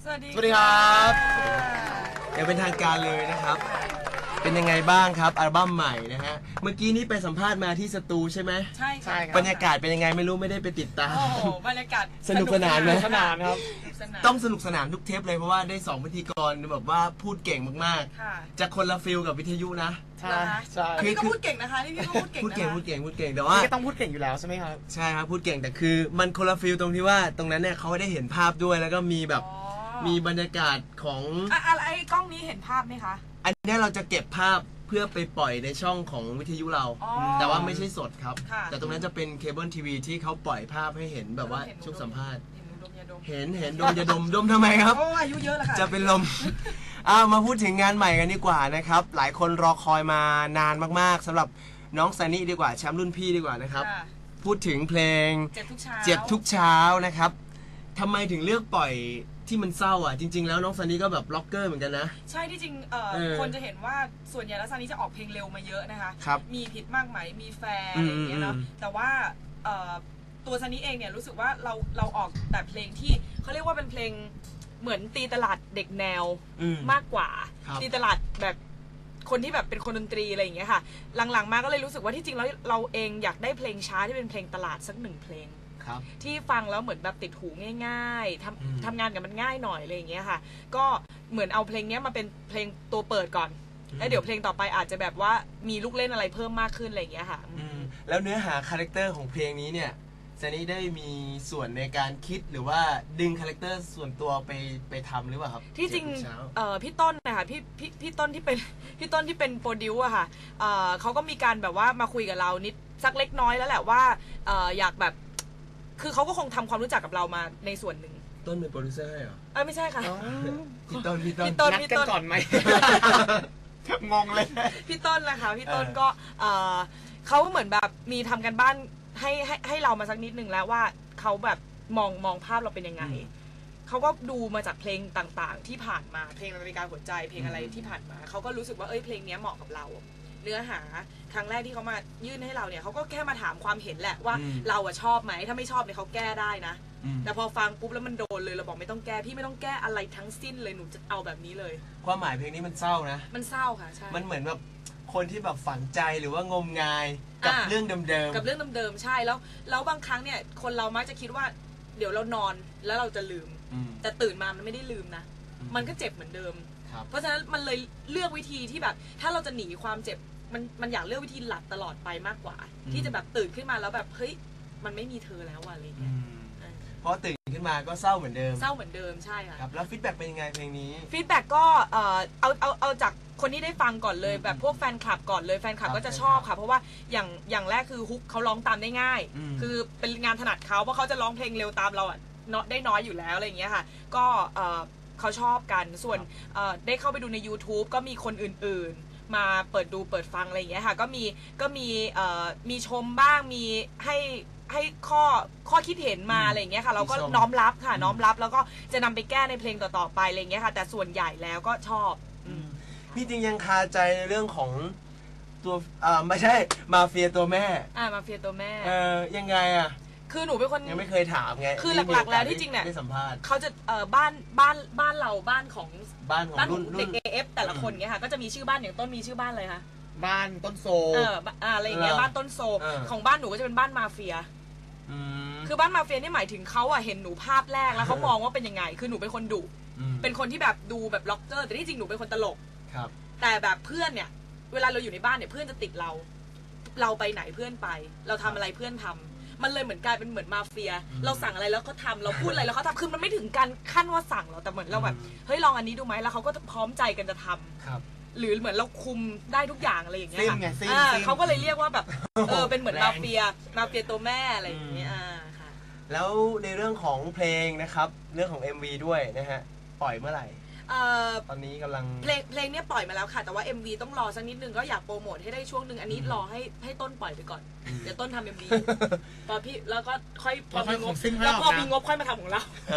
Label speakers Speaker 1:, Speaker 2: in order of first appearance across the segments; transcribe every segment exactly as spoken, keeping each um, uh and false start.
Speaker 1: สวัสดีครับอย่างเป็นทางการเลยนะครับเป็นยังไงบ้างครับอัลบั้มใหม่นะฮะเมื่อกี้นี้ไปสัมภาษณ์มาที่สตูใช่ไหมใช่ใช่ครับบรรยากาศเป็นยังไงไม่รู้ไม่ได้ไปติดตามโอ้โหบรรยากาศสนุกสนานไหมสนานครับต้องสนุกสนานทุกเทปเลยเพราะว่าได้สองพิธีกรแบบว่าพูดเก่งมากๆจะคนละฟิลกับวิทยุนะใช่ใช่พี่ก็พูดเก่งนะคะนี่พี่ก็พูดเก่งพูดเก่งพูดเก่งพูดเก่งแต่ว่าพี่ก็ต้องพูดเก่งอยู่แล้วใช่ไหมครับใช่ครับพูดเก่งแต่คือมันคนละฟิลตรงที่ว่าตรงนั้นเนี่ยเขาได้เห็นภาพด้วยแล้วก็มีแบบมีบรรยากาศของอะไรกล้องนี้เห็นภาพไหมคะอันนี้เราจะเก็บภาพเพื่อไปปล่อยในช่องของวิทยุเราแต่ว่าไม่ใช่สดครับแต่ตรงนั้นจะเป็นเคเบิลทีวีที่เขาปล่อยภาพให้เห็นแบบว่าช่วงสัมภาษณ์เห็นเห็นดมยาดมดมทำไมครับอายุเยอะแล้วค่ะจะเป็นลมอ้าวมาพูดถึงงานใหม่กันดีกว่านะครับหลายคนรอคอยมานานมากๆสำหรับน้องซันนี่ดีกว่าแชมป์รุ่นพี่ดีกว่านะครับพูดถึงเพลงเจ็บทุกเช้าเจ็บทุกเช้านะครับทำไมถึงเลือกปล่อยที่มันเศร้าอ่ะจริงๆแล้วน้องซันนี่ก็แบบล็อกเกอร์เหมือนกันนะใช่ที่จริงเอ่อคนจะเห็นว่าส่วนใหญ่แล้วซันนี่จะออกเพลงเร็วมาเยอะนะคะมีผิดมากไหมมีแฟร์อะไรอย่างเงี้ยเนาะแต่ว่าเอ่อตัวซันนี่เองเนี่ยรู้สึกว่าเราเราออกแต่เพลงที่เขาเรียกว่าเป็นเพลงเหมือนตีตลาดเด็กแนวมากกว่าตีตลาดแบบคนที่แบบเป็นคนดนตรีอะไรอย่างเงี้ยค่ะหลังๆมาก็เลยรู้สึกว่าที่จริงแล้วเราเองอยากได้เพลงช้าที่เป็นเพลงตลาดสักหนึ่งเพลงที่ฟังแล้วเหมือนแบบติดหูง่ายๆทำทำงานกับมันง่ายหน่อยอะไรอย่างเงี้ยค่ะก็เหมือนเอาเพลงนี้มาเป็นเพลงตัวเปิดก่อนแล้วเดี๋ยวเพลงต่อไปอาจจะแบบว่ามีลูกเล่นอะไรเพิ่มมากขึ้นอะไรอย่างเงี้ยค่ะแล้วเนื้อหาคาแรคเตอร์ของเพลงนี้เนี่ยซันนี่ได้มีส่วนในการคิดหรือว่าดึงคาแรคเตอร์ส่วนตัวไปไปทำหรือเปล่าครับที่จริงเอ่อพี่ต้นนะคะพี่พี่พี่ต้นที่เป็นพี่ต้นที่เป็นโปรดิวอะค่ะเอ่อเขาก็มีการแบบว่ามาคุยกับเรานิดสักเล็กน้อยแล้วแหละว่าเอ่ออยากแบบคือเขาก็คงทำความรู้จักกับเรามาในส่วนหนึ่งต้นเป็นโปรดิวเซอร์เหรอเออไม่ใช่ค่ะพี่ต้นพี่ต้นนัดกันก่อนไหมงงเลยพี่ต้นนะคะพี่ต้นก็เออเขาเหมือนแบบมีทำกันบ้านให้ให้ให้เรามาสักนิดหนึ่งแล้วว่าเขาแบบมองมองภาพเราเป็นยังไงเขาก็ดูมาจากเพลงต่างๆที่ผ่านมาเพลงนาฬิกาหัวใจเพลงอะไรที่ผ่านมาเขาก็รู้สึกว่าเอ้ยเพลงนี้เหมาะกับเราเนื้อหาครั้งแรกที่เขามายื่นให้เราเนี่ยเขาก็แค่มาถามความเห็นแหละว่าเราอะชอบไหมถ้าไม่ชอบเนี่ยเขาแก้ได้นะแต่พอฟังปุ๊บแล้วมันโดนเลยเราบอกไม่ต้องแก้พี่ไม่ต้องแก้อะไรทั้งสิ้นเลยหนูจะเอาแบบนี้เลยความหมายเพลงนี้มันเศร้านะมันเศร้าค่ะใช่มันเหมือนแบบคนที่แบบฝังใจหรือว่างมงายกับเรื่องเดิมๆกับเรื่องเดิมๆใช่แล้วแล้วบางครั้งเนี่ยคนเรามักจะคิดว่าเดี๋ยวเรานอนแล้วเราจะลืมแต่ตื่นมามันไม่ได้ลืมนะมันก็เจ็บเหมือนเดิมเพราะฉะนั้นมันเลยเลือกวิธีที่แบบถ้าเราจะหนีความเจ็บมันมันอยากเลือกวิธีหลับตลอดไปมากกว่าที่จะแบบตื่นขึ้นมาแล้วแบบเฮ้ยมันไม่มีเธอแล้วอะไรเงี้ยเพราะตื่นขึ้นมาก็เศร้าเหมือนเดิมเศร้าเหมือนเดิมใช่ค่ะแล้วฟีดแบ็กเป็นยังไงเพลงนี้ฟีดแบ็กก็เออเอาเอาเอาจากคนที่ได้ฟังก่อนเลยแบบพวกแฟนคลับก่อนเลยแฟนคลับก็จะชอบค่ะเพราะว่าอย่างอย่างแรกคือฮุกเขาร้องตามได้ง่ายคือเป็นงานถนัดเขาเพราะเขาจะร้องเพลงเร็วตามเราอ่ะได้น้อยอยู่แล้วอะไรอย่างเงี้ยค่ะก็เออเขาชอบกันส่วนได้เข้าไปดูใน ยูทูบ ก็มีคนอื่นๆมาเปิดดูเปิดฟังอะไรอย่างเงี้ยค่ะก็มีก็มีมีชมบ้างมีให้ให้ข้อข้อคิดเห็นมาอะไรอย่างเงี้ยค่ะเราก็น้อมรับค่ะน้อมรับแล้วก็จะนำไปแก้ในเพลงต่อๆไปอะไรอย่างเงี้ยค่ะแต่ส่วนใหญ่แล้วก็ชอบพี่จริงยังคาใจในเรื่องของตัวอ่าไม่ใช่มาเฟียตัวแม่อ่ามาเฟียตัวแม่เออยังไงอ่ะคือหนูเป็นคนยังไม่เคยถามไงคือหลักๆแล้วที่จริงเนี่ยเขาจะเอ่อบ้านบ้านบ้านเราบ้านของบ้านของรุ่นเด็ก เอ เอฟ แต่ละคนเงี้ยค่ะก็จะมีชื่อบ้านอย่างต้นมีชื่อบ้านเลยค่ะบ้านต้นโซเอออะไรอย่างเงี้ยบ้านต้นโซของบ้านหนูก็จะเป็นบ้านมาเฟียคือบ้านมาเฟียนี่หมายถึงเขาอะเห็นหนูภาพแรกแล้วเขามองว่าเป็นยังไงคือหนูเป็นคนดุเป็นคนที่แบบดูแบบล็อกเกอร์แต่ที่จริงหนูเป็นคนตลกแต่แบบเพื่อนเนี่ยเวลาเราอยู่ในบ้านเนี่ยเพื่อนจะติดเราเราไปไหนเพื่อนไปเราทำอะไรเพื่อนทำมันเลยเหมือนกลายเป็นเหมือนมาเฟียเราสั่งอะไรแล้วเขาทำเราพูดอะไรแล้วเขาทำคือมันไม่ถึงการขั้นว่าสั่งเราแต่เหมือนเราแบบเฮ้ยลองอันนี้ดูไหมแล้วเขาก็พร้อมใจกันจะทำหรือเหมือนเราคุมได้ทุกอย่างอะไรอย่างเงี้ยค่ะเขาก็เลยเรียกว่าแบบเออเป็นเหมือนมาเฟียมาเฟียตัวแม่อะไรอย่างเงี้ยค่ะแล้วในเรื่องของเพลงนะครับเรื่องของ เอ็ม วี ด้วยนะฮะปล่อยเมื่อไหร่ตอนนี้กำลังเพลงเพลงเนี้ยปล่อยมาแล้วค่ะแต่ว่า เอ็ม วี ต้องรอสักนิดนึงก็อยากโปรโมทให้ได้ช่วงหนึ่งอันนี้รอให้ให้ต้นปล่อยไปก่อนเดี๋ยวต้นทำ เอ็ม วี พอพี่แล้วก็ค่อยพอมีงบแล้วพอมีงบค่อยมาทำของเรา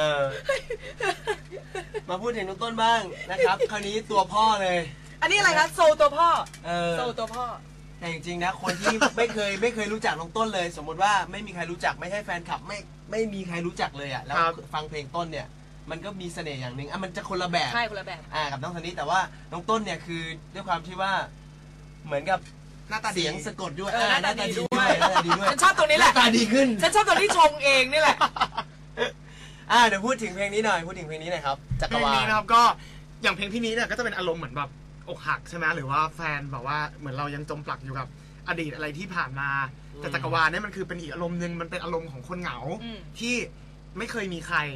Speaker 1: มาพูดถึงน้องต้นบ้างนะครับคราวนี้ตัวพ่อเลยอันนี้อะไรคะโซตัวพ่อโซตัวพ่อแต่จริงๆนะคนที่ไม่เคยไม่เคยรู้จักน้องต้นเลยสมมติว่าไม่มีใครรู้จักไม่ใช่แฟนคลับไม่ไม่มีใครรู้จักเลยอ่ะแล้วฟังเพลงต้นเนี่ยมันก็มีเสน่ห์อย่างหนึ่งอ่ะมันจะคนละแบบ
Speaker 2: ใช่คนละแบบ
Speaker 1: อ่ากับน้องซันนี่แต่ว่าน้องต้นเนี่ยคือด้วยความที่ว่าเหมือนกับ
Speaker 3: หน้าตา
Speaker 1: เสียงสะกดด้วย
Speaker 2: หน้าตาดีด้วย
Speaker 1: หน้าตาดีด้วย
Speaker 2: ฉันชอบตรงนี้แหละ
Speaker 1: หน้าตาดีขึ้น
Speaker 2: ฉันชอบตรงที่ชงเองนี่แหละ
Speaker 1: อ่าเดี๋ยวพูดถึงเพลงนี้หน่อยพูดถึงเพลงนี้หน่อยครับจักรวาล
Speaker 3: เพลงนี้นะครับก็อย่างเพลงพี่นี้เนี่ยก็จะเป็นอารมณ์เหมือนแบบอกหักใช่ไหมหรือว่าแฟนแบบว่าเหมือนเรายังจมปลักอยู่กับอดีตอะไรที่ผ่านมาแต่จักรวาลเนี่ยมันคือเป็นอีกอารมณ์หนึ่งมันเป็นอารมณ์ของคนเหงาที่ไม่เคยมีใคร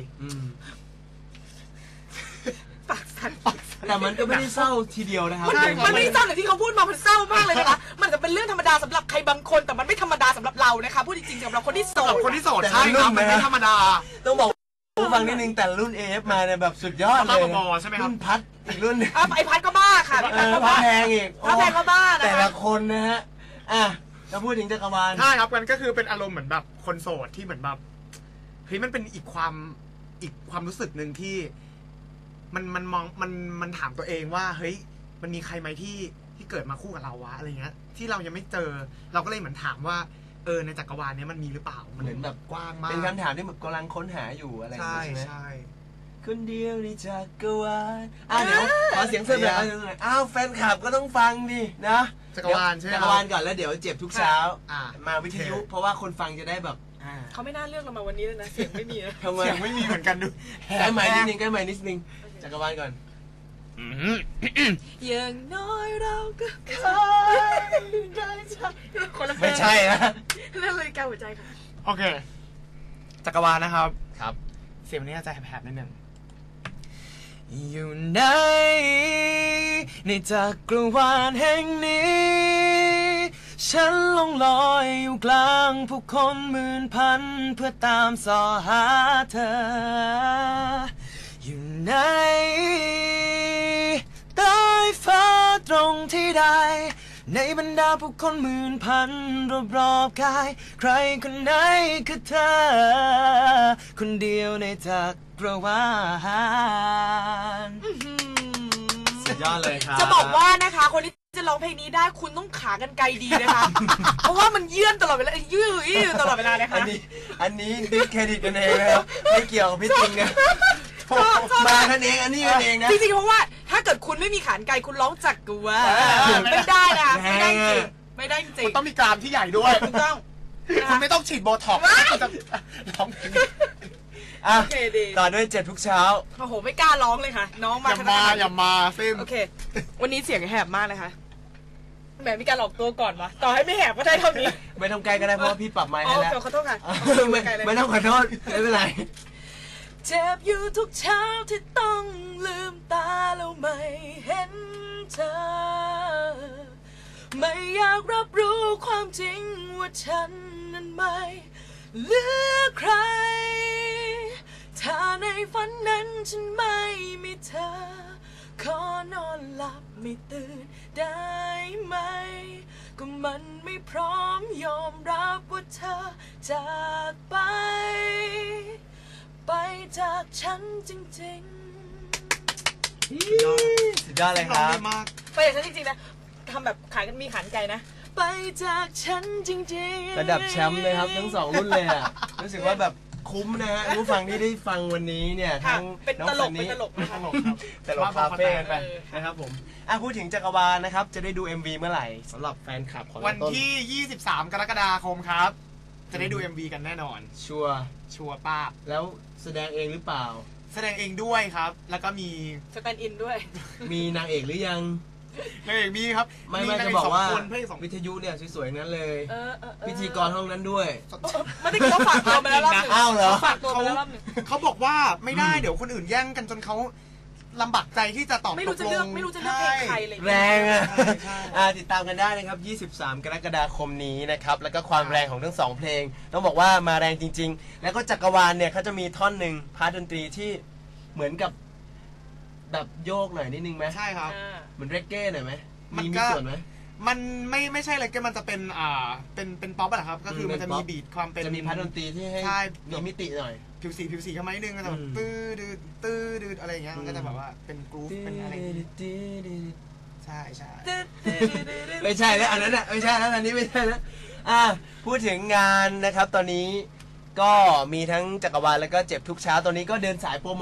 Speaker 2: ปากสั่น
Speaker 1: แต่มันก็ไม่ได้เศร้าทีเดียวนะครับ
Speaker 2: มันไม่ได้เศร้าแต่ที่เขาพูดมามันเศร้ามากเลยนะคะมันก็เป็นเรื่องธรรมดาสำหรับใครบางคนแต่มันไม่ธรรมดาสำหรับเรานะคะพูดจริงๆสำหรับคนที่โสด
Speaker 3: คนที่โสดใช่ครับมันไม่ธรรมดา
Speaker 1: ต้องบอกผู้ฟังนิดนึงแต่รุ่น เอ เอฟ มาเนี่ยแบบสุดยอดเลย
Speaker 3: ใช่ไหมครับ
Speaker 1: รุ่นพัดอีกรุ่นนึง
Speaker 2: ไอพัดก็บ้าค่ะไอพัดก็บ้า
Speaker 1: แพงอีก
Speaker 2: พัดแพงก็บ้า
Speaker 1: แต่ละคนนะฮะอ่ะจะพูดถึงจักรวาล
Speaker 3: ใช่ครับมันก็คือเป็นอารมณ์เหมือนแบบคนโสดที่เหมือนแบบเฮ้ยมันเป็นอีกความอีกความรู้สึกหนึ่งที่มันมันมองมันมันถามตัวเองว่าเฮ้ยมันมีใครไหมที่ที่เกิดมาคู่กับเราวะอะไรเงี้ยที่เรายังไม่เจอเราก็เลยเหมือนถามว่าเออในจักรวาลนี้มันมีหรือเปล่ามัน
Speaker 1: เหมือนแบบ
Speaker 3: กว้างมาก
Speaker 1: เป็นคำถามที่แบบกำลังค้นหาอยู่อะไรอย่างเงี้ยใช่ไหมใช่คนเดียวในจักรวาลอ่ะเดี๋ยวขอเสียงเสริมหน่อยอ้าวแฟนคลับก็ต้องฟังดินะ
Speaker 3: จักรวาลใช่ไหม
Speaker 1: จักรวาลก่อนแล้วเดี๋ยวเจ็บทุกเช้ามาวิทยุเพราะว่าคนฟังจะได้แบบ
Speaker 2: เขาไม่น่าเลือกเรามาวันนี้เลยนะเสียงไม่มี
Speaker 1: ทำไม
Speaker 3: เสียงไม่มีเหมือนกันดู
Speaker 1: แก้ใหม่นิดนึงแก้ใหม่นิดนึงจักรวาลก่อน
Speaker 2: อย่างน้อยเราก็เคยได้ใช่คนละเพลง
Speaker 1: ไม่ใช่นะ
Speaker 2: นั่นเลยการหัวใจค่ะ
Speaker 3: โอเคจักรวาลนะครับ
Speaker 1: ครับ
Speaker 3: เสียงนี้จะแผบๆนิดนึงอยู่ในในจักรวาลแห่งนี้ฉันลงลอยอยู่กลางผู้คนหมื่นพันเพื่อตามสอหาเธออยู่ในใต้ฟ้าตรงที่ใดในบรรดาผู้คนหมื่นพันรอบๆกายใครคนไหนคือเธอคนเดียวในจักรวาล
Speaker 1: สุดยอดเลยครับ
Speaker 2: จะบอกว่านะคะคนที่จะร้องเพลงนี้ได้คุณต้องขากันไกลดีนะคะเพราะว่ามันเยื่อนตลอดเวลายืดตลอดเวลานะคะ
Speaker 1: อันนี้อันนี้ดิสเครดิตกันเองนะครับไม่เกี่ยวกับพี่จริงนะมากันเองอันนี้กันเองนะ
Speaker 2: จริงๆเพราะว่าถ้าเกิดคุณไม่มีขานไกลคุณร้องจักรวาลไม่ได้นะไม่ได้จริงไม่ได้จริง
Speaker 3: มันต้องมีกรามที่ใหญ่ด้วย
Speaker 2: ถูกต้อง
Speaker 3: คุณไม่ต้องฉีดโบท็อกซ์จะร้องเพลง
Speaker 1: อ่ะต่อด้วยเจ็บทุกเช้า
Speaker 2: โอ้โหไม่กล้าร้องเลยค่ะน้องมา
Speaker 3: อย่ามาอย่ามาซิม
Speaker 2: โอเควันนี้เสียงแหบมากเลยค่ะแหมมีการหลอกตัวก่อนวะต่อให้ไม่แหบก็ได้เท่านี้
Speaker 1: ไม่ต้องไกลก็ได้เพราะว่าพี่ปรับไมค์ให้แล้ว
Speaker 2: ขอโทษค่ะ
Speaker 1: ไม่ต้องขอโทษไม่เป็นไร
Speaker 2: เจ็บอยู่ทุกเช้าที่ต้องลืมตาแล้วไม่เห็นเธอไม่อยากรับรู้ความจริงว่าฉันนั้นไม่เหลือใครถ้าในฝันนั้นฉันไม่มีเธอขอนอนหลับไม่ตื่นได้ไหมก็มันไม่พร้อมยอมรับว่าเธอจากไปไปจากฉันจริง
Speaker 1: ๆสุดยอดเลยครับ
Speaker 2: ไปจากฉันจริงๆนะทำแบบขายกันมีขันใจนะไปจากฉันจริง
Speaker 1: ๆระดับแชมป์เลยครับทั้งสองรุ่นเลยอ่ะรู้สึกว่าแบบคุ้มนะฮะผู้ฟังที่ได้ฟังวันนี้เนี่ยทั้ง
Speaker 2: น้องคนนี้
Speaker 1: ตลกครับตลกคาเฟ่กันไปนะครับผมอ่ะพูดถึงจักรวาลนะครับจะได้ดู เอ็ม วี เมื่อไหร่สำหรับแฟนคลับของ
Speaker 3: วันที่ยี่สิบสามกรกฎาคมครับจะได้ดู เอ็ม วี กันแน่นอน
Speaker 1: ชัวร์
Speaker 3: ชัวร์ป้า
Speaker 1: แล้วแสดงเองหรือเปล่า
Speaker 3: แสดงเองด้วยครับแล้วก็มี
Speaker 2: สแตนด์อินด้วย
Speaker 1: มีนางเอกหรือยัง
Speaker 3: นางเอกมีครับ
Speaker 1: ไม่ไม่จะบอกว่าวิทยุเนี่ยสวยๆนั้นเลยพิธีกรห้องนั้นด้วย
Speaker 2: ไม่ได้เขาฝากตัวไปแล้วรอบนึง
Speaker 1: อ้าวเหรอ
Speaker 2: ฝากตัวไปแล้วรอบนึง
Speaker 3: เขาบอกว่าไม่ได้เดี๋ยวคนอื่นแย่งกันจนเขาลำบากใจที่จะตอบ
Speaker 2: ไม่รู้จะเลือกไม่รู้จะเลือกเพลงใครเลย
Speaker 1: แรงอ่ะติดตามกันได้นะครับยี่สิบสามกรกฎาคมนี้นะครับแล้วก็ความแรงของทั้งสองเพลงต้องบอกว่ามาแรงจริงๆแล้วก็จักรวาลเนี่ยเขาจะมีท่อนหนึ่งพาร์ทดนตรีที่เหมือนกับแบบโยกหน่อยนิดนึงไหม
Speaker 3: ใช่ครับ
Speaker 1: เหมือนเรกเก้หน่อยไหมมีมีส่วนไหม
Speaker 3: มันไม่ไม่ใช่เรกเก้มันจะเป็นอ่าเป็นเป็นป๊อปอะครับก็คือมันจะมีบีทความเป็น
Speaker 1: จะมีพาร์ทดนตรีที่ให้มีมิติหน่อย
Speaker 3: ผิวสีผิวสีเข้ามานิดนึงก็จะแบบตื้อดืดตื้อดืดอะไรอย่างเงี้ยมันก็จะแบบว่าเป็นกรูฟเป็นอะไรใช่ใช่
Speaker 1: ไม่ใช่แล้วอันนั้นอ่ะไม่ใช่แล้วอันนี้ไม่ใช่แล้วอ่ะพูดถึงงานนะครับตอนนี้ก็มีทั้งจักรวาลแล้วก็เจ็บทุกเช้าตอนนี้ก็เดินสายโปรโมท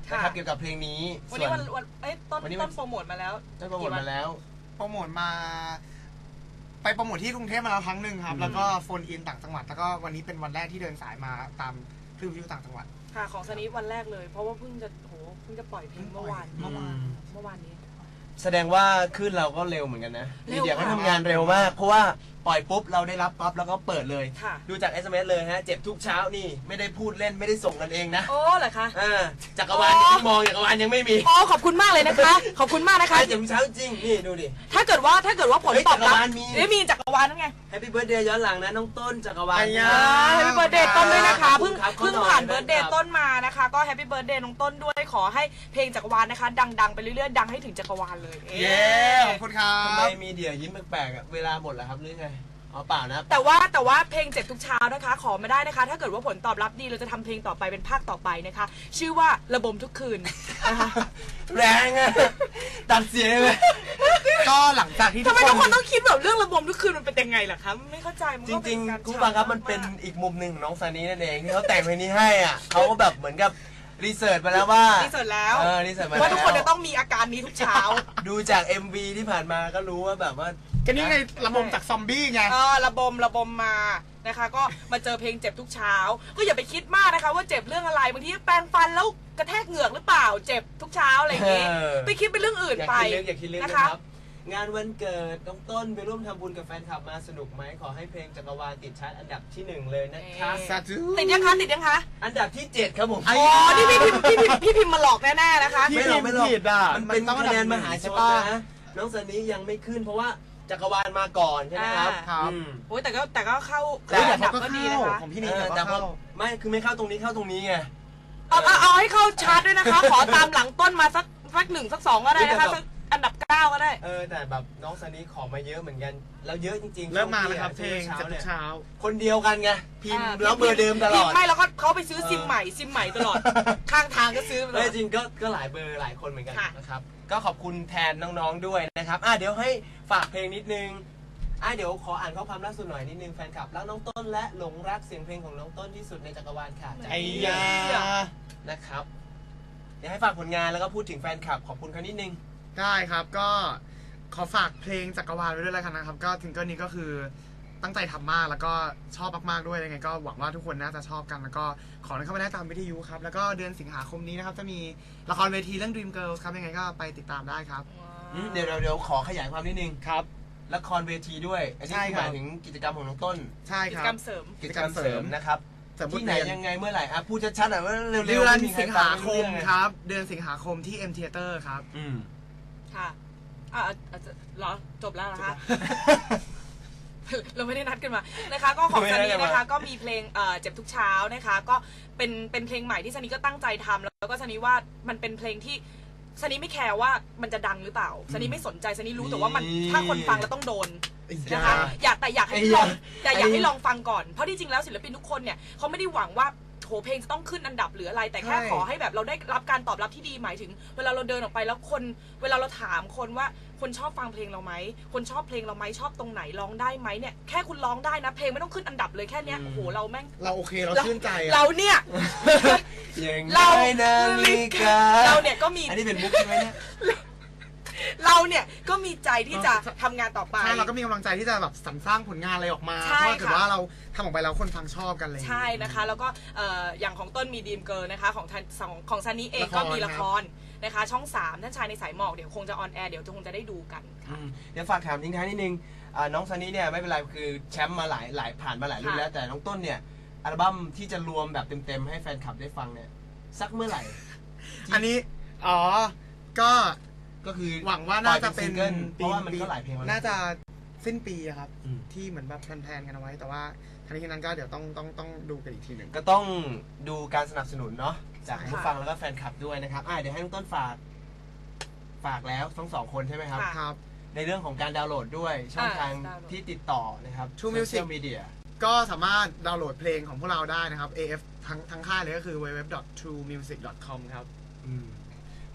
Speaker 1: นะครับเกี่ยวกับเพลงนี้
Speaker 2: วันนี้วันวันเอ้ยต้น
Speaker 1: วันนี้
Speaker 2: ต้นโปรโมทมาแล้ว
Speaker 1: ได้โปรโมทมาแล้ว
Speaker 3: โปรโมทมาไปโปรโมทที่กรุงเทพมาแล้วครั้งหนึ่งครับ
Speaker 1: อืม
Speaker 3: แล้วก็โฟนอินต่างจังหวัดแล้วก็วันนี้เป็นวันแรกที่เดินสายมาตามคลื่นวิทยุต่างจังหวัด
Speaker 2: ค่ะของซันนี่วันแรกเลย เพราะว่าเพิ่งจะโหเพิ่งจะปล่อยเพลงเมื่อวาน
Speaker 3: เมื่อวาน
Speaker 2: เมื่อวานนี้
Speaker 1: แสดงว่าขึ้นเราก็เร็วเหมือนกันนะ
Speaker 2: เร็
Speaker 1: มี
Speaker 2: ว
Speaker 1: เดียเขา
Speaker 2: ค่ะ
Speaker 1: ทำงานเร็วมาก เพราะว่าปล่อยปุ๊บเราได้รับปั๊บแล้วก็เปิดเลย
Speaker 2: ค่ะ
Speaker 1: ดูจาก เอส เอ็ม เอส เลยฮะเจ็บทุกเช้านี่ไม่ได้พูดเล่นไม่ได้ส่งกันเองนะ
Speaker 2: โอ้เหรอคะ
Speaker 1: อ่าจักรวาลที่มองจักรวาลยังไม่มี
Speaker 2: อ๋อขอบคุณมากเลยนะคะ ขอบคุณมากนะคะ
Speaker 1: เจ็บทุกเช้าจริงนี่ดูดิ
Speaker 2: ถ้าเกิดว่าถ้าเกิดว่าผล
Speaker 1: เฮ้ย
Speaker 2: ตอบรับ
Speaker 1: จักรวาลมี
Speaker 2: เอ้ยมีจักรวาลนั่นไง
Speaker 1: แฮปปี้เบิร์ดเดย์ย้อนหลังนะน้องต้นจักรวาล
Speaker 3: ไอ้ยา
Speaker 2: แฮปปี้เบิร์ดเดย์ต้นด้วยนะคะเพิ่ง
Speaker 1: ครับ
Speaker 2: เพิ่ง
Speaker 1: ขอหน่อย
Speaker 2: ผ่านเบิร์ดเด
Speaker 1: ค
Speaker 2: ย์
Speaker 1: รับ
Speaker 2: ต้นมานะคะ ก็แฮปปี้เบิร์ดเดย์น้องต้นด้วยขอให้เพลงจักรวาลนะคะ ดังๆไปเรื่อยๆดังให้ถึงจักรวาลเลย
Speaker 3: เย้ขอบคุณครั
Speaker 1: ทำไม
Speaker 3: บ
Speaker 1: มีเดียยิ้มแปลกๆอะเวลาหมดแล้วครับหรือไงอ๋อเปล่านะ
Speaker 2: แต่ว่าแต่ว่าเพลงเจ็บทุกเช้านะคะ ขอไม่ได้นะคะ ถ้าเกิดว่าผลตอบรับดีเราจะทำเพลงต่อไปเป็นภาคต่อไปนะคะ ชื่อว่าระบมทุกคืนนะคะ
Speaker 1: แรงอะตัดเสียงเลย
Speaker 3: ก็หลังจากที่
Speaker 2: ทำไมทุกคนต้องคิดแบบเรื่องระบมทุกคืนมันเป็นยังไงล่ะคะไม่เข้าใจมัน
Speaker 1: จ
Speaker 2: ก็เป็
Speaker 1: ริง
Speaker 2: นการ
Speaker 1: ๆคุณฟังครับมันเป็นอีกมุมหนึ่งของน้องซานีนั่นเองที่เขาแต่งเพลงนี้ให้อ่ะเขาก็แบบเหมือนกับรีเสิร์ชมาแล้วว่า
Speaker 2: รีเสิร์ชแล้ว
Speaker 1: เออรีเสิร์ชมาแล้ว
Speaker 2: ว่าทุกคนจะต้องมีอาการนี้ทุกเช้า
Speaker 1: ดูจาก เอ็ม วี ที่ผ่านมาก็รู้ว่าแบบว่า
Speaker 3: ก็นี่ไงระบมจากซอมบี้ไง
Speaker 2: เออระบมระบมมานะคะ ก็มาเจอเพลงเจ็บทุกเช้า ก็อย่าไปคิดมากนะคะว่าเจ็บเรื่องอะไรบางทีแปรงฟันแล้วกระแทกเหงือกหรือเปล่าเจ็บทุกเช้าอะไรอย่างงี้
Speaker 1: เออ
Speaker 2: ไปคิดเป็นเรื่องอื่น
Speaker 1: อย่า
Speaker 2: ไป
Speaker 1: คิดลึกอย่าคิดลึก
Speaker 2: นะ
Speaker 1: นะคะ ครับ งานวันเกิดน้องต้นไปร่วมทำบุญกับแฟนคลับมาสนุกไหมขอให้เพลงจักรวาลติดชาร์ตอันดับที่หนึ่งเลยนะครับ
Speaker 3: สาธุ
Speaker 2: ติดยังคะติดยังคะ
Speaker 1: อันดับที่เจ็ดครับผม
Speaker 3: ไอ้
Speaker 2: อ๋อนี่พี่พิมพ์พี่พิมพ์พี่พิมพ์มาหลอกแน่ๆนะคะ
Speaker 1: ไม่หรอกไม่หรอก
Speaker 3: ผิดอ่ะ
Speaker 1: มันเป็น
Speaker 3: มันต้อง
Speaker 1: คะแนน
Speaker 3: อันดับหนึ่
Speaker 1: ม
Speaker 3: ง
Speaker 1: หาช
Speaker 3: ใช่
Speaker 1: น
Speaker 3: ปะ
Speaker 1: นะน้องซันนี้ยังไม่ขึ้นเพราะว่าจักรวาลมาก่อนใช่ไหมครับ
Speaker 3: อ่าครับ
Speaker 1: อืม
Speaker 2: โอ้ยแต่ก็แต่ก็เข้า
Speaker 1: แต่
Speaker 2: เข้า
Speaker 3: แต่
Speaker 2: อันดับ
Speaker 3: เขาก็
Speaker 2: ก็ดี
Speaker 3: เข้า
Speaker 2: นะคะ
Speaker 3: ของพี่นี่
Speaker 1: เออ
Speaker 3: แต่
Speaker 1: แต่
Speaker 3: ก็
Speaker 1: พอ
Speaker 3: เข้า
Speaker 1: ไม่คือไม่เข้าตรงนี้เข้าตรงนี้ไง
Speaker 2: เอาเอาเอาให้เข้าชาร์ตด้วยนะคะ ขอตามหลังต้นมาสักสักหนึ่งสักสองก็ได้นะคะสักอันดับเก้าก็ได้
Speaker 1: เออแต่แบบน้องซันนี้ขอมาเยอะเหมือนกันแล้วเยอะจริงๆ
Speaker 3: เริ่มมาแล้ว
Speaker 1: ช่วง
Speaker 3: ครับเพลง
Speaker 1: ช้า
Speaker 3: จาก
Speaker 1: เนี่ย
Speaker 3: เช้า
Speaker 1: คนเดียวกันไงพิมพ์
Speaker 2: อ่า
Speaker 1: แล้วเบอร์เดิมตลอ
Speaker 2: พิ
Speaker 1: ด
Speaker 2: มพ์ไม่แล้วก็เขาไปซื้อซิมใหม่ซิมใหม่ตลอด ข้างทางก็ซื้อไปตล
Speaker 1: ไม่
Speaker 2: อด
Speaker 1: จริงก็ก็หลายเบอร์หลายคนเหมือนกัน
Speaker 2: ค่ะ
Speaker 1: นะครับก็ขอบคุณแทนน้องๆด้วยนะครับอ่ะเดี๋ยวให้ฝากเพลงนิดนึงอ่ะเดี๋ยวขออ่านข้อความล่าสุดหน่อยนิดนึงแฟนคลับรักน้องต้นและหลงรักเสียงเพลงของน้องต้นที่สุดในจักรวาลค่ะจาก
Speaker 3: ไอ้
Speaker 1: พี่
Speaker 3: ยา
Speaker 1: นะครับเดี๋ยวให้ฝากผลงานแล้วก็พูดถึงแฟนคลับขอบคุณเขานิดนึง
Speaker 3: ได้ครับก็ขอฝากเพลงจักรวาลไว้ด้วยแล้วกันนะครับ ก็ถึงก็นี้ก็คือตั้งใจทำมากแล้วก็ชอบมากๆด้วยยังไงก็หวังว่าทุกคนน่าจะชอบกันแล้วก็ขอให้เข้ามาได้ตามวิทยุครับแล้วก็เดือนสิงหาคมนี้นะครับจะมีละครเวทีเรื่อง Dream Girls ครับยังไงก็ไปติดตามได้ครับ
Speaker 1: อืมเดี๋ยวเดี๋ยวเดี๋ยวขอขยายความนิดนึง
Speaker 3: ครับ
Speaker 1: ละครเวทีด้วย อันนี้
Speaker 3: ใช่
Speaker 1: คือ
Speaker 3: ค
Speaker 1: ห
Speaker 3: รับ
Speaker 1: มายถึงกิจกรรมของน้องต้น
Speaker 3: ใช่
Speaker 2: กิ
Speaker 3: ค
Speaker 2: จ
Speaker 3: รับ
Speaker 2: กรรมเสริม
Speaker 1: กิจกรรมเสริมนะครับ
Speaker 3: เสริมบท
Speaker 1: ที่ไหน
Speaker 3: เรียน
Speaker 1: ยังไงเมื่อไหร่อ่ะพูดชัดๆหน่อยว่าเร็วๆ
Speaker 3: เดือน
Speaker 1: ไม่มีใคร
Speaker 3: สิง
Speaker 1: ฟั
Speaker 3: หาคม
Speaker 1: ไรู้เอง
Speaker 3: ครับ เดือนสิงหาคมที่ M Theater ครับ
Speaker 1: อืม
Speaker 2: ค่ะอ่ะอาจจะเหรอจบแล้วเหรอคะ เราไม่ได้นัดกันมานะคะก็ของ
Speaker 1: ไม่
Speaker 2: ซัน
Speaker 1: ได้
Speaker 2: นี่
Speaker 1: นัดกันมา
Speaker 2: นะคะก็มีเพลงเอ่อเจ็บทุกเช้านะคะก็เป็นเป็นเพลงใหม่ที่ซันนี่ก็ตั้งใจทำแล้วก็ซันนี่ว่ามันเป็นเพลงที่ซันนี่ไม่แคร์ว่ามันจะดังหรือเปล่าซันนี่ไม่สนใจซันนี่รู้แต่ว่ามันถ้าคนฟังแล้วต้องโดนนะคะอยากแต่อยากให้ลองแต่อยากให้ลองฟังก่อนเพราะที่จริงแล้วศิลปินทุกคนเนี่ยเขาไม่ได้หวังว่าโหเพลงจะต้องขึ้นอันดับหรืออะไรแต่แค่
Speaker 3: ใช่
Speaker 2: ขอให้แบบเราได้รับการตอบรับที่ดีหมายถึง เวลาเราเดินออกไปแล้วคนเวลาเราถามคนว่าคนชอบฟังเพลงเราไหมคนชอบเพลงเราไหมชอบตรงไหนร้องได้ไหมเนี่ยแค่คุณร้องได้นะเพลงไม่ต้องขึ้นอันดับเลยแค่เนี้ย
Speaker 1: อืม
Speaker 2: โอ้โหเราแม่ง
Speaker 3: เราโอเคเราชื่นใจอะ
Speaker 2: เราเนี่ย
Speaker 1: อย่าง
Speaker 2: เรา
Speaker 1: ไรนะมิกา
Speaker 2: เราเนี่ยก็มี
Speaker 1: อันนี้เป็นมุกใช่ไหมเนี่ย
Speaker 2: เราเนี่ยก็มีใจที่จะทำงานต่อไป
Speaker 3: ใช่เราก็มีกำลังใจที่จะแบบสรรสร้างผลงานอะไรออกมา
Speaker 2: ใช่
Speaker 3: เพราะถ้าเกิด
Speaker 2: ค่ะ
Speaker 3: ว่าเราทำออกไปแล้วคนฟังชอบกันเลย
Speaker 2: ใช่นะคะแล้วก็เอ่ออย่างของต้นมีดีมเกิร์ลนะคะของทันของของซันนี่เองก็มีละครนะคะช่องสามท่านชายในสายหมอกเดี๋ยวคงจะออนแอร์เดี๋ยวคงจะได้ดูกัน
Speaker 1: อืมเดี๋ยวฝากถามทิ้งท้ายนิดนึงอ่าน้องซันนี่เนี่ยไม่เป็นไรคือแชมป์มาหลายหลายผ่านมาหลายรุ่น
Speaker 2: ค่ะ
Speaker 1: แล้วแต่น้องต้นเนี่ยอัลบั้มที่จะรวมแบบเต็มๆให้แฟนคลับได้ฟังเนี่ยสักเมื่อไหร่
Speaker 3: อันนี้อ๋อก็
Speaker 1: ก็คือ
Speaker 3: หวังว่าน่าจะเป็น
Speaker 1: ปล่อยเป็นซิงเกิลเพราะว่ามันก็หลายเพลงแล้ว
Speaker 3: น่าจะสิ้นปีอะครับ
Speaker 1: อืม
Speaker 3: ที่เหมือนแบบแพลนๆกันเอาไว้ แต่ว่าทันทีนั้นก็เดี๋ยวต้องต้องต้องดูกันอีกทีหนึ่ง
Speaker 1: ก็ต้องดูการสนับสนุนเนาะจาก
Speaker 3: ใช่
Speaker 1: ผู้ฟังแล้วก็แฟนคลับด้วยนะครับอ่าเดี๋ยวให้น้องต้นฝากฝากแล้วทั้งสองคนใช่ไหมครับ
Speaker 2: ค่ะ
Speaker 3: ครับ
Speaker 1: ในเรื่องของการดาวน์โหลดด้วยช่องทาง
Speaker 2: ดาวน์โหลด
Speaker 1: ที่ติดต่อนะครับ
Speaker 3: True Music
Speaker 1: โซเชียลมีเดีย
Speaker 3: ก็สามารถดาวน์โหลดเพลงของพวกเราได้นะครับ เอ เอฟ ทั้งทั้งค่ายเลยก็คือ ดับเบิลยู ดับเบิลยู ดับเบิลยู ดอท ทรู มิวสิก ดอท คอม ครับ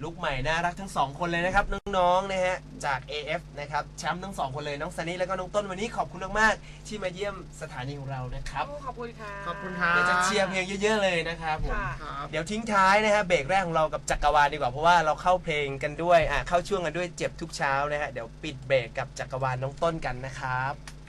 Speaker 1: ลุคใหม่น่ารักทั้งสองคนเลยนะครับน้องๆนะฮะจาก เอ เอฟ นะครับแชมป์ทั้งสองคนเลยน้องซันนี่แล้วก็น้องต้นวันนี้ขอบคุณมากๆที่มาเยี่ยมสถานีของเรานะครับ
Speaker 2: ขอบคุณค่ะ
Speaker 3: ขอบคุณครับ
Speaker 1: เดี๋ยวจะเชียร์เพลงเยอะๆเลยนะครับผม
Speaker 2: ค่ะ
Speaker 3: ครับ
Speaker 1: เดี๋ยวทิ้งท้ายนะฮะเบรกแรกของเรากับจักรวาลดีกว่าเพราะว่าเราเข้าเพลงกันด้วยอ่ะเข้าช่วงกันด้วยเจ็บทุกเช้านะฮะเดี๋ยวปิดเบรกกับจักรวาลน้องต้นกันนะครับ